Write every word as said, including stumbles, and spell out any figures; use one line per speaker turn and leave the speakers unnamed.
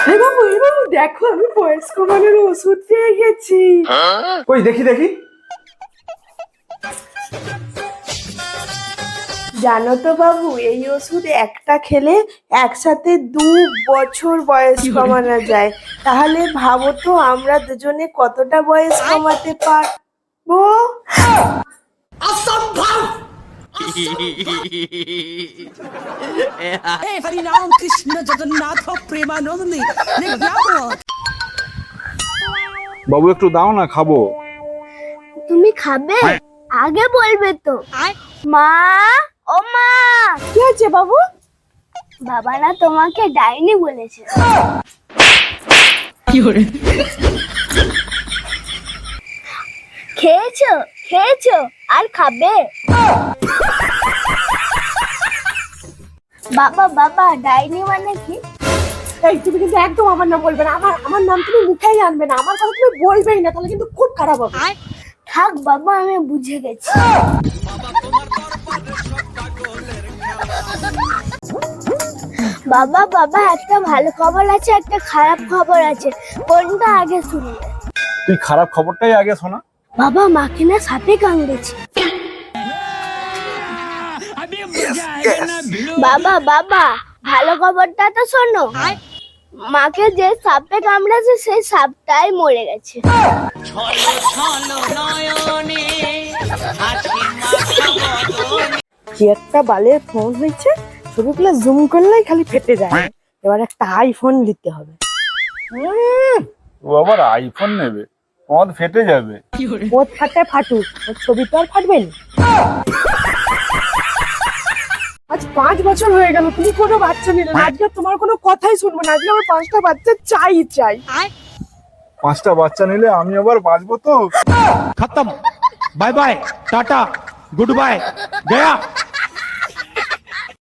এই বাবু এই বাবু দেখো আমি বয়স কমানোর ওষুধ পেয়ে গেছি।
কই দেখি দেখি।
জানো তো বাবু এই ওষুধ একটা খেলে একসাথে দু বছর বয়স কমানো যায়। তাহলে ভাবো তো আমরা দুজনে কতটা বয়স কমাতে পারবো।
हे हरिनाम कृष्ण जगन्नाथ प्रेमानंदी
বাবু একটু দাও না, খাবো।
তুমি খাবে? আগে বলবে তো। মা, ও মা,
কি আছে বাবু?
বাবা না তোমাকে ডাইনি বলেছে। খেয়েছো খেয়েছো আর খাবে? বাবা বাবা ডাইনি মানে কি?
এই তুমি কিন্তু একদম আমার নাম বলবে না। আমার আমার নাম তুমি মুখেই আনবে না। আমার কথা তুমি বলবেই না, তাহলে কিন্তু খুব খারাপ হবে।
থাক বাবা আমি বুঝে গেছি। বাবা বাবা একটা ভালো খবর আছে একটা খারাপ খবর আছে, কোনটা আগে শুনবে?
তুই খারাপ খবরটাই আগে শোনা।
বাবা মাকে না সাপে কামড়েছে। বাবা বাবা ভালো খবরটা তো শোনো, মাকে যে সাপে কামড়েছে সেই সাপটাই মরে গেছে।
কি একটা বালের ফোন হয়েছে, ছবিগুলো জুম করলেই খালি ফেটে যায়। এবার একটা আইফোন নিতে হবে।
ও আবার আইফোন নেবে, পদ ফেটে যাবে।
ওর ফাটে ফাটুক, ওর ছবি তো আর ফাটবে না। আজ পাঁচ বছর হয়ে গেল তুমি কোনো বাচ্চা নিলে না। আজকে তোমার কোনো কথাই শুনবো না। আজকে আমার পাঁচটা বাচ্চা চাই চাই।
পাঁচটা বাচ্চা নিলে আমি আবার বাঁচবো তো।
खत्म bye bye tata goodbye गया।